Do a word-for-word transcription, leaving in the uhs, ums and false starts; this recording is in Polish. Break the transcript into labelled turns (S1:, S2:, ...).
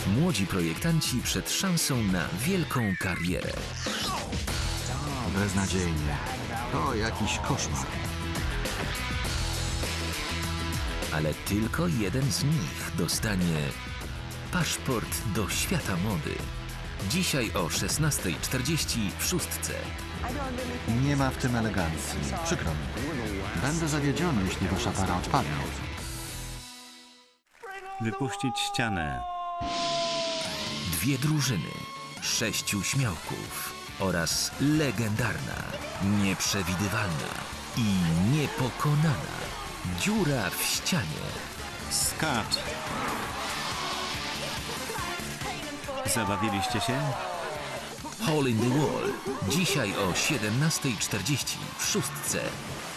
S1: Młodzi projektanci przed szansą na wielką karierę.
S2: Beznadziejnie. To jakiś koszmar.
S1: Ale tylko jeden z nich dostanie paszport do świata mody. Dzisiaj o szesnastej czterdzieści w szóstce.
S2: Nie ma w tym elegancji. Przykro mi. Będę zawiedziony, jeśli wasza para odpadnie.
S3: Wypuścić ścianę.
S1: Dwie drużyny, sześciu śmiałków oraz legendarna, nieprzewidywalna i niepokonana dziura w ścianie.
S3: Skacz. Zabawiliście się?
S1: Hole in the Wall. Dzisiaj o siedemnastej czterdzieści w szóstce.